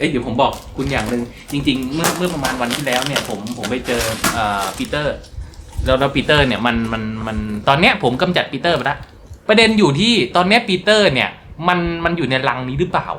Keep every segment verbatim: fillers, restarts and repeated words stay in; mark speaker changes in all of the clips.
Speaker 1: อ้ยเดี๋ยวผมบอกคุณอย่างหนึ่งจริงๆเมื่อเมื่อประมาณวันที่แล้วเนี่ยผมผมไปเจอเอ่อปีเตอร์แล้วแล้วปีเตอร์เนี่ยมันมันมันตอนเนี้ยผมกำจัดปีเตอร์ไปแล้วประเด็นอยู่ที่ตอนเนี้ยปีเตอร์เนี่ยมันมันอยู่ในรังนี้หรือเปล่า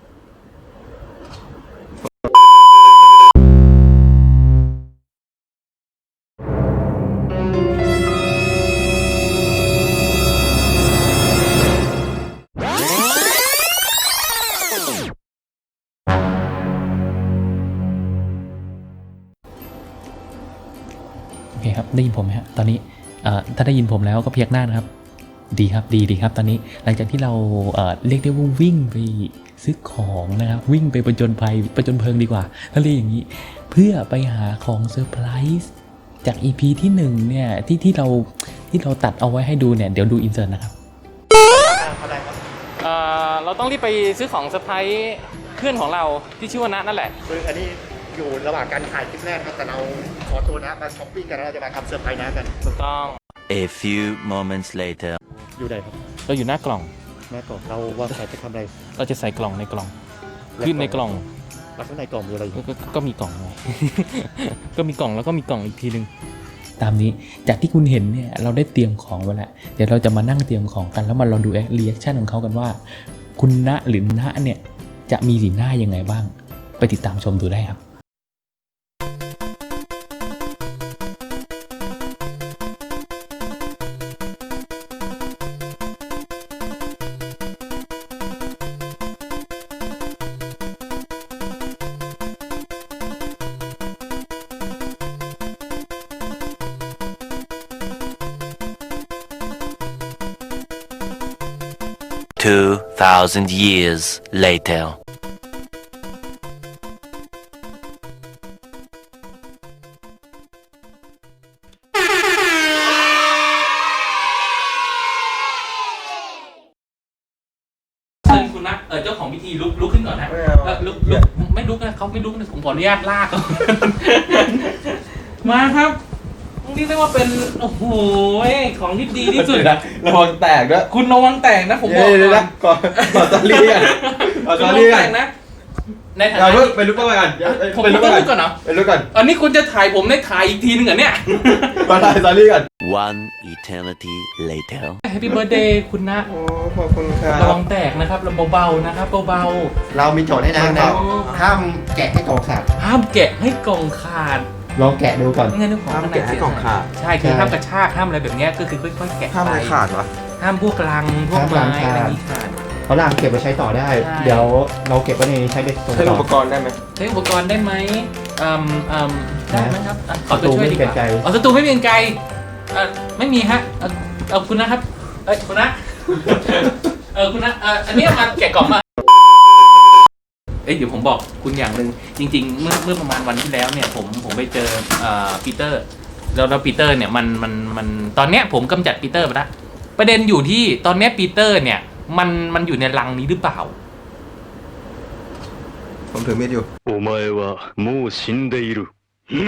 Speaker 1: โอเคครับได้ยินผมไหมฮะตอนนี้ถ้าได้ยินผมแล้วก็เพียกหน้านะครับดีครับดีดีครับตอนนี้หลังจากที่เราเอ่อเรียกได้ว่าวิ่งไปซื้อของนะครับวิ่งไปประจนภัยประจนเพลิงดีกว่าถ้าเรียกอย่างนี้เพื่อไปหาของเซอร์ไพรส์จาก อี พี ที่หนึ่งเนี่ยที่ที่เราที่เราตัดเอาไว้ให้ดูเนี่ยเดี๋ยวดูอินเสิร์ตนะครับเอ่อเราต้องรีบไปซื้อของเซอร์ไพรส์เพื่อนของเราที่ชื่อว่าณนั่นแหละ
Speaker 2: คืออันนี้อยู่ระหว่างการถ่ายคลิปแรกครับแต่เราขอตัวนะมาช้อปปิ้งกันแล้วเราจะมาทำเซอร์ไพรส์นะกัน
Speaker 1: ถูกต้อง
Speaker 3: A few moments later
Speaker 2: อยู่ไหนครับ
Speaker 1: เราอยู่หน้ากล่อง
Speaker 2: แม่กล่องเราว่าใครจะทำอะไร
Speaker 1: เราจะใส่กล่องในกล่องยื่นในกล่อง
Speaker 2: แล้วข้างในกล่องมีอะไรอยู่
Speaker 1: ก็มีกล่องไง ก็มีกล่องแล้วก็มีกล่องอีกทีนึงตามนี้จากที่คุณเห็นเนี่ยเราได้เตรียมของไว้แล้วเดี๋ยวเราจะมานั่งเตรียมของกันแล้วมาลองดูรีแอคชั่นของเขากันว่าคุณณหรือณเนี่ยจะมีสีหน้ายังไงบ้างไปติดตามชมดูได้ครับ
Speaker 3: Two thousand years later.
Speaker 1: คุณนะเออเจ้าของพิธีลุกลุกขึ้นก่อนนะลุกลุกไม่ลุกนะเขาไม่ลุกนะผมขออนุญาตลากมาครับนี่เรียกว่าเป็นโอ้โหของที่ดีที่สุดอะ
Speaker 4: ระวังแตกด้วย
Speaker 1: คุณระวังแตกนะผมบอก
Speaker 4: ก่อนก่อนก่อนตอนนี้กันก่อนตอนนี้กัน
Speaker 1: นะในฐานะ
Speaker 4: เราเป็นลูกก่อน
Speaker 1: ผมเป็นลูกก่อนเนาะ
Speaker 4: เป็นลูกก่อน
Speaker 1: อันนี้คุณจะถ่ายผมได้ถ่ายอีกทีนึงเหรอเนี่ย
Speaker 4: มาถ่ายตอนนี้กัน
Speaker 3: One eternity later
Speaker 1: Happy birthday คุณนะ
Speaker 4: โอ้ขอบคุณครับ
Speaker 1: ระวังแตกนะครับเราเบาๆนะครับเบา
Speaker 2: ๆเรามีโจทย์ให้นะนะห้ามแกะให้กล่องขาด
Speaker 1: ห้ามแกะให้กล่องขาด
Speaker 2: ลองแกะดูก่อน
Speaker 1: ไม่งั้นนึกของ
Speaker 4: ห้ามแกะให้กล่องขาด
Speaker 1: ใช่คือห้ามกระชากห้ามอะไรแบบนี้ก็คือค่อยๆแกะ
Speaker 4: ห้ามอะไรขาดวะ
Speaker 1: ห้ามพวกลังพวกไม้อะไรนี้ขาด
Speaker 2: เขาลังเก็บไว้ใช้ต่อได้เดี๋ยวเราเก็บไว้ในใช้เป็น
Speaker 4: ใช้อุปกรณ์ได้ไหม
Speaker 1: ใช้อุปกรณ์ได้ไหมอืมอืมได้ไหมครับขอตัวช่วยดีกว่าอ๋อศัตรูไม่เป็นไกลไม่มีฮะเอาคุณนะครับเอ้ยคุณนะเออคุณนะเอออันนี้มาแกะกล่องมาเอ้ยเดี๋ยวผมบอกคุณอย่างหนึ่งจริงๆเมื่อเมื่อประมาณวันที่แล้วเนี่ยผมผมไปเจอเอ่อปีเตอร์แล้วแล้วปีเตอร์เนี่ยมันมันมันตอนเนี้ยผมกำจัดปีเตอร์ไปแล้วประเด็นอยู่ที่ตอนเนี้ยปีเตอร์เนี่ยมันมันอยู่ในรังนี้หรือเปล่า
Speaker 4: ผมถือมีดอยู่
Speaker 3: お前はもう死んでいる何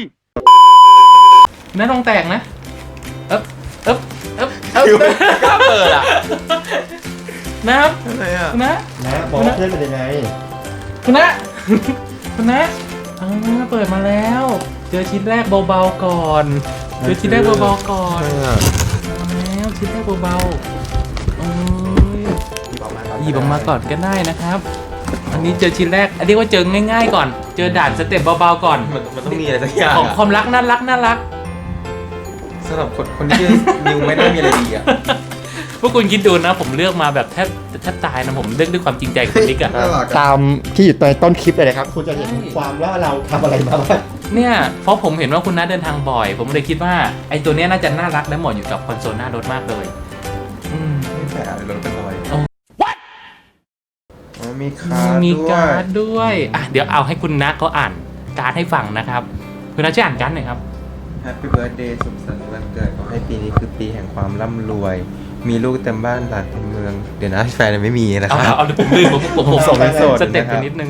Speaker 1: นั่นลองแตกนะเอ๊บเอ๊บเอ๊บเอ๊บกล้าเปิดอ่ะนะครับ
Speaker 4: อะไรอ่ะ
Speaker 1: คุณนะ
Speaker 2: นะบอกเพื่อนเป็นยังไง
Speaker 1: คุณนะคุณนะอ่าเปิดมาแล้วเจอชิ้นแรกเบาๆก่อนเจอชิ้นแรกเบาๆก่อนแล้วชิ้นแรกเบาๆโอ้ยหยิบออกมาก่อนก็ได้นะครับอันนี้เจอชิ้นแรกอันนี้ว่าเจอง่ายๆก่อนเจอด่านสเต็ปเบาๆก่อน
Speaker 4: มันต้องมีอะไรสักอย่าง
Speaker 1: ของความรักน่ารักน่ารัก
Speaker 4: สำหรับคนคนที่นิวไม่ได้มีอะไรดีอ่ะ
Speaker 1: พวกคุณคิดดูนะผมเลือกมาแบบแทบแทบตายนะผมเลือกด้วยความจริงใจกับนิกอะ
Speaker 2: ตามที่อยู่ในต้นคลิปเลยนะครับคุณจะเห็นความว่าเราทำอะไรมาบ้าง
Speaker 1: เนี่ยเพราะผมเห็นว่าคุณน้าเดินทางบ่อยผมเลยคิดว่าไอ้ตัวเนี้ยน่าจะน่ารักและเหมาะอยู่กับคอนโซลหน้ารถมากเลย
Speaker 4: อืมไม่แปลกเลยรถเป็นรอย
Speaker 1: What
Speaker 4: มีการ์ด
Speaker 1: มีการ์ดด้วยอ่ะเดี๋ยวเอาให้คุณน้าเขาอ่านการ์ดให้ฟังนะครับคุณน้าช่วยอ่านการ์ดหน่อยครับ
Speaker 4: Happy Birthday สุขสันต์วันเกิดขอให้ปีนี้คือปีแห่งความร่ำรวยมีลูกเต็มบ้านหลานเต็มเมืองเดี๋ยวนะแฟนไม่มีนะครับ
Speaker 1: เอาเอาผมลืมผมผมผมส่งสเต็ปไปนิดนึง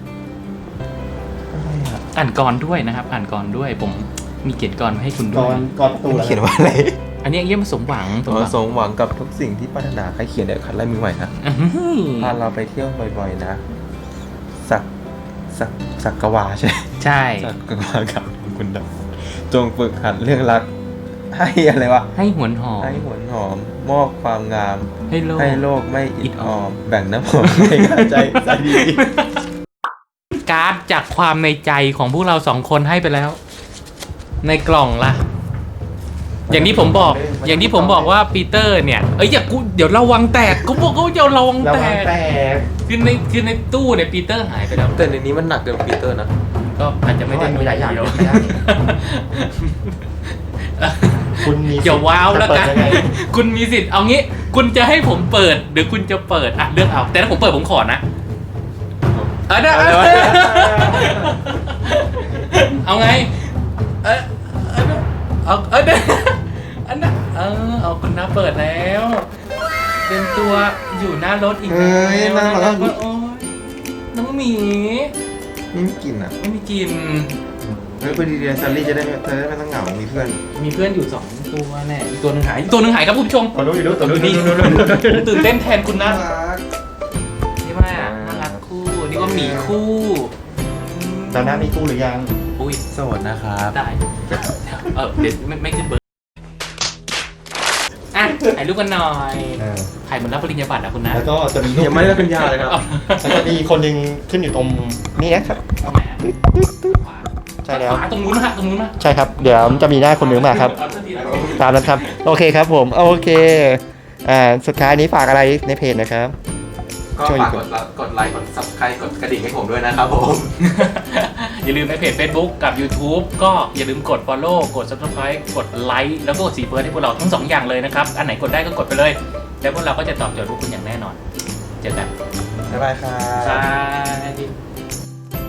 Speaker 1: อ่านกรด้วยนะครับอ่านกรด้วยผมมีเขียนกรมาให้คุณด้วย
Speaker 2: กรตู
Speaker 4: เขียนว่าอะไร
Speaker 1: อันนี้เยี่ยมสมหวัง
Speaker 4: สมหวังกับทุกสิ่งที่ปรารถนาใครเขียนเดี๋ยวขัดไล่มือใหม่นะพาเราไปเที่ยวบ่อยๆนะสักสักสักกวาใช่
Speaker 1: ใช่
Speaker 4: สักกวากับคุณดำจงฝึกหัดเรื่องรัก ให้อะไรวะ
Speaker 1: ให้หวนหอม
Speaker 4: ให้หวนหอม มอบความงาม
Speaker 1: ให้โลก
Speaker 4: ให้โลกไม่อิดออม แบ่งน้ำหอมให้กระใจใจดี
Speaker 1: การ์ดจากความในใจของพวกเราสองคนให้ไปแล้ว ในกล่องล่ะ อย่างที่ผมบอก อย่างที่ผมบอกว่าปีเตอร์เนี่ย เอ้ยอย่ากูเดี๋ยวระวังแตกกูบอกเขาจะระวัง
Speaker 2: ระ
Speaker 1: แต
Speaker 2: วัง
Speaker 1: ก
Speaker 2: แตก
Speaker 1: คือในคือในตู้เนี่ยปีเตอร์หายไปแล้ว
Speaker 4: แต่ในนี้มันหนักเกินปีเตอร์นะ
Speaker 1: ก็อาจจะไม่ได้
Speaker 2: มีหลายอย่าง
Speaker 1: เดีว
Speaker 2: ไม่ได้ คุณมี
Speaker 1: อย่าว้าวแล้วกัน
Speaker 2: จะเปิดยังไง
Speaker 1: คุณมีสิทธิ์เอางี้ คุณจะให้ผมเปิดหรือคุณจะเปิดอ่ะเลือกเอา แต่ถ้าผมเปิดผมขอนะเอาได้
Speaker 4: เอาเลยวะ
Speaker 1: เอาไง เออเอาเอาเด้อันนั้นเออเอาคุณน้าเปิดแล้ว เป็นตัวอยู่หน้ารถอีก
Speaker 2: เอ้ยน่ารัก
Speaker 1: แล้วโอ้ยน้องหมี
Speaker 4: นี่ไม่กินอ่ะ
Speaker 1: ไม่มีกลิน
Speaker 4: เฮ้ยพอดีเดียซัลลี่จะได้ไม่เธอได้ไม่ต้องเหงา มีเพื่อน
Speaker 1: มีเพื่อนอยู่สองตัวแน่อีกตัวหนึงหายอีกตัวหนึงหายครับคุณผู้ชม
Speaker 2: ตัวนู้นอยู่นู้นตัวนู้น
Speaker 1: นี่
Speaker 2: นู้นนู้นนู้น
Speaker 1: ผมตื่นเต้นแทนคุณนะ
Speaker 4: รัก
Speaker 1: นี่ว่าน่ารักคู่นี่ว่าหมีคู่
Speaker 2: ตอนหน้ามีคู่หรือยัง
Speaker 1: อุ้ย
Speaker 4: โสดนะครับ
Speaker 1: ได้เออเดี๋ยวไม่ไม่ขึ้นเบอร์อ่ะถ่ายรูปกันหน่อยถ่ายเหมือนรับปริญญาบัตรอ่ะคุณนะ
Speaker 2: แล้วก็จะมีรูป
Speaker 4: ยังไม่ได้เป็นยาเลยครับ
Speaker 2: แล้วก็มีคนหนึ่งขึ้นอยู่ตรงนี้นะครับ
Speaker 1: เอาไหม
Speaker 2: ใช่แล้ว
Speaker 1: ขวาตรงนู้นนะฮะตรงนู้นนะ
Speaker 2: ใช่ครับ เดี๋ยวจะมีหน้าคนหนึ่งมาครับ
Speaker 1: เอาสักทีนะ
Speaker 2: ตามนั้นครับ โอเคครับผม โอเค อ่า สุดท้ายนี้ฝากอะไรในเพจนะครับ
Speaker 4: ก็ฝากกดไลค์กดไลค์กด subscribe กดกระดิ่งให้ผมด้วยนะครับผม
Speaker 1: อย่าลืมในเพจ Facebook กับ YouTube ก็อย่าลืมกด Follow กด Subscribe กดไลค์แล้วก็กดสีเฟิร์สให้พวกเราทั้งสองอย่างเลยนะครับ อันไหนกดได้ก็กดไปเลย แล้วพวกเราก็จะตอบโจทย์พวกคุณอย่างแน่นอน เจอกัน
Speaker 4: บ๊ายบายครั
Speaker 1: บา
Speaker 4: บ
Speaker 1: ย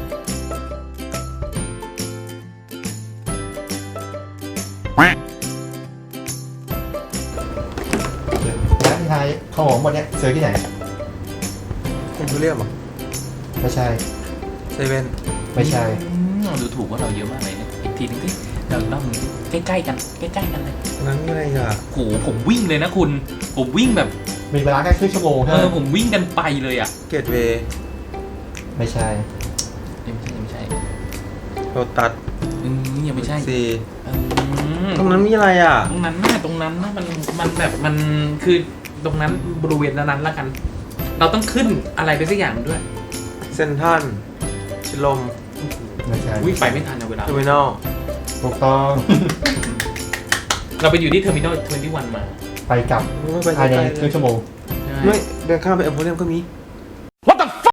Speaker 2: แล้วที่ท้ายของผมหมดเนี้ยซื้อที่ไหน
Speaker 4: คุณทุเรียมเหรอ
Speaker 2: ไม่ใช่
Speaker 4: เซเว่น
Speaker 2: ไม่ใช่
Speaker 1: อืมดูถูกว่าเราเยอะมากเลยเนี่ยอีกทีนึงที่เราต้องใกล้ๆกันใกล้ๆกันเลย
Speaker 4: นั้นอะไรอ่ะ
Speaker 1: โหผมวิ่งเลยนะคุณ ผมวิ่งแบบ
Speaker 2: มีเวลาแค่ครึ่งชั่วโมง
Speaker 1: เอ
Speaker 2: ใช่ไหม
Speaker 1: อผมวิ่งกันไปเลยอ่ะ
Speaker 4: เกตเวย์
Speaker 2: ไม่ใช่
Speaker 1: ยังไม่ใช่ยังไม่ใช่
Speaker 4: โลตัส
Speaker 1: อืมยังไม่ใช่
Speaker 4: ซี
Speaker 1: อืม
Speaker 4: ตรงนั้นมีอะไรอ่ะ
Speaker 1: ตรงนั้นน่ะตรงนั้นน่ะมันมันแบบมันคือตรงนั้นบริเวณนั้นๆแล้วกัน เราต้องขึ้นอะไรไปสักอย่างด้วย
Speaker 4: เซนทรันชิลม
Speaker 2: ไม่ใช่
Speaker 1: วิ่งไปไม่ทันในเวลา
Speaker 4: เทอร์มินอล
Speaker 2: ถูกต้อง
Speaker 1: เราไปอยู่ที่เทอร์มินอลยี่สิบเอ็ดมา
Speaker 2: ไปกลับ
Speaker 4: ไม่ไป
Speaker 2: ภายใน
Speaker 4: ไกล
Speaker 2: ครึ่งชั่วโมง
Speaker 1: ใช่
Speaker 4: ไม่เดินข้ามไปเอ็มโพเรียมก็มี
Speaker 1: อ